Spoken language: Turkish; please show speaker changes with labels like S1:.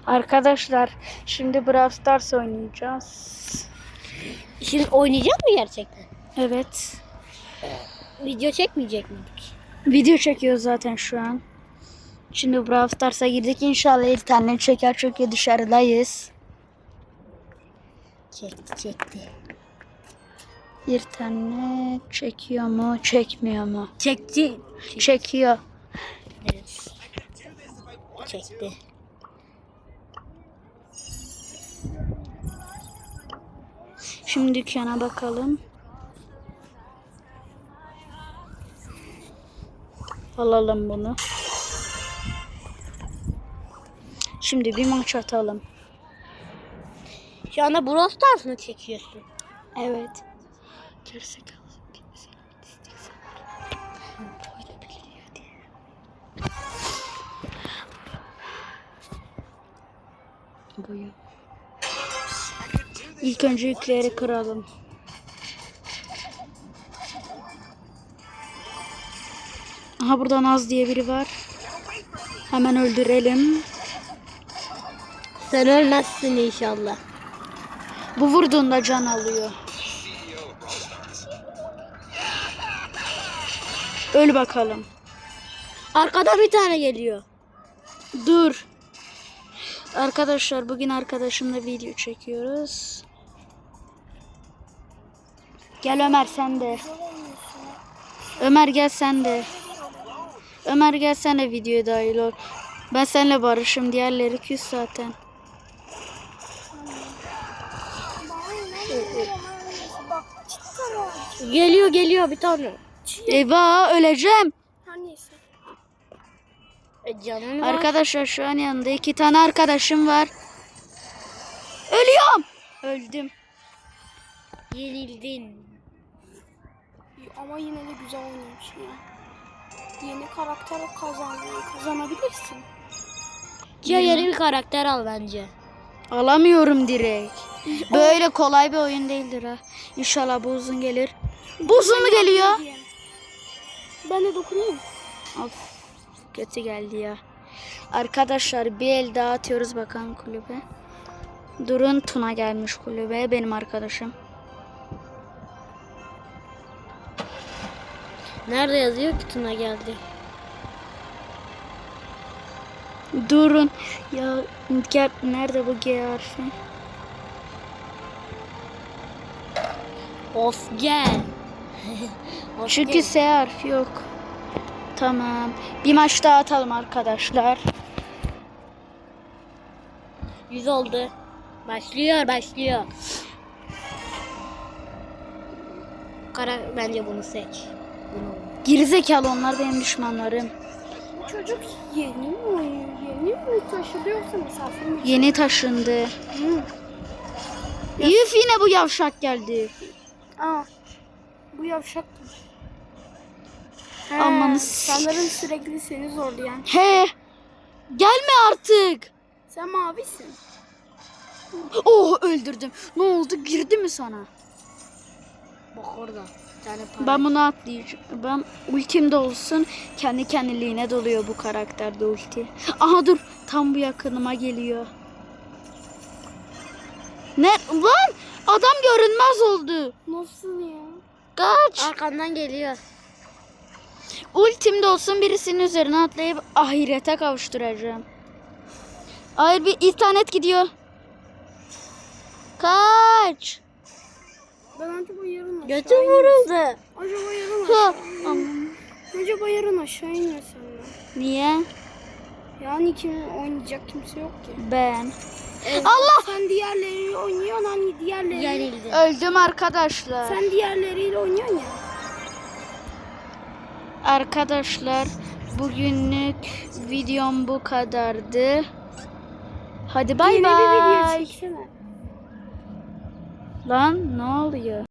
S1: Arkadaşlar şimdi Brawl Stars oynayacağız.
S2: Şimdi oynayacak mı gerçekten?
S1: Evet.
S2: Video çekmeyecek miydik?
S1: Video çekiyor zaten şu an. Şimdi Brawl Stars'a girdik. İnşallah internet çeker çünkü dışarıdayız.
S2: Çekti.
S1: İnternet çekiyor mu? Çekmiyor mu?
S2: Çekti.
S1: Çekiyor.
S2: Evet. Çekti.
S1: Şimdi dükkana bakalım. Alalım bunu. Şimdi bir maç atalım.
S2: Şu anda Brawl Stars mı çekiyorsun?
S1: Evet. Boyu. İlk önce yükleri kıralım. Aha burada Naz diye biri var. Hemen öldürelim.
S2: Sen ölmezsin inşallah.
S1: Bu vurduğunda can alıyor. Öl bakalım.
S2: Arkadan bir tane geliyor.
S1: Dur. Arkadaşlar bugün arkadaşımla video çekiyoruz. Gel Ömer sen de. Ömer gel sen de. Ömer gel sen de videoya dahil ol. Ben seninle barışım. Diğerleri küs zaten.
S2: Geliyor bir tane.
S1: Eyvah öleceğim.
S2: Canın var.
S1: Arkadaşlar şu an yanında 2 tane arkadaşım var. Ölüyorum. Öldüm.
S2: Yenildin.
S3: Ama yine de güzel oynamış ya. Yeni karakter kazanabilirsin.
S2: Ya yeni bir karakter al bence.
S1: Alamıyorum direkt. Böyle kolay bir oyun değildir ha. İnşallah bu uzun gelir. Bu uzun mu geliyor?
S3: Ben de dokunayım.
S1: Of, kötü geldi ya. Arkadaşlar bir el daha atıyoruz bakalım kulübe. Durun Tuna gelmiş kulübe. Benim arkadaşım.
S2: Nerede yazıyor ki Tuna geldi?
S1: Durun. Ya gel, nerede bu G harfi?
S2: Of gel. Of
S1: Çünkü
S2: gel.
S1: S harfi yok. Tamam. Bir maç daha atalım arkadaşlar.
S2: 100 oldu. Başlıyor. Bence bunu seç. Bunu.
S1: Gerizekalı onlar benim düşmanlarım.
S3: Bu çocuk yeni mi oynuyor? Yeni mi taşıdı yoksa misafir mi?
S1: Yeni taşındı. Üf yine bu yavşak geldi.
S3: Aa, bu yavşaktır.
S1: Amanı
S3: sanırım sürekli seni zorlayan.
S1: He. Gelme artık.
S3: Sen mavisin.
S1: Oh öldürdüm. Ne oldu? Girdi mi sana?
S2: Bak orada. Bir tane para.
S1: Ben bunu atlayacağım. Ben ultimde olsun. Kendi kendiliğine doluyor bu karakterde ulti. Aha dur. Tam bu yakınıma geliyor. Ne? Lan! Adam görünmez oldu.
S3: Nasıl ya?
S1: Kaç.
S2: Arkandan geliyor.
S1: Ultimde olsun birisinin üzerine atlayıp ahirete kavuşturacağım. Hayır bir internet gidiyor. Kaç.
S3: Ben acaba yarın aşağı
S2: Götüm vuruldu.
S3: Acaba yarın
S1: Ha,
S3: aşağı
S1: aman.
S3: Acaba yarın aşağı inmesem ben.
S1: Niye?
S3: Yani oynayacak kimse yok ki.
S1: Ben.
S3: Allah! Sen diğerleriyle oynuyorsun hani diğerleri.
S2: Yenildi.
S1: Öldüm arkadaşlar.
S3: Sen diğerleriyle oynuyorsun ya.
S1: Arkadaşlar bugünlük videom bu kadardı. Hadi bay
S3: Yeni bir video
S1: bay.
S3: çeksene.
S1: Lan ne oluyor?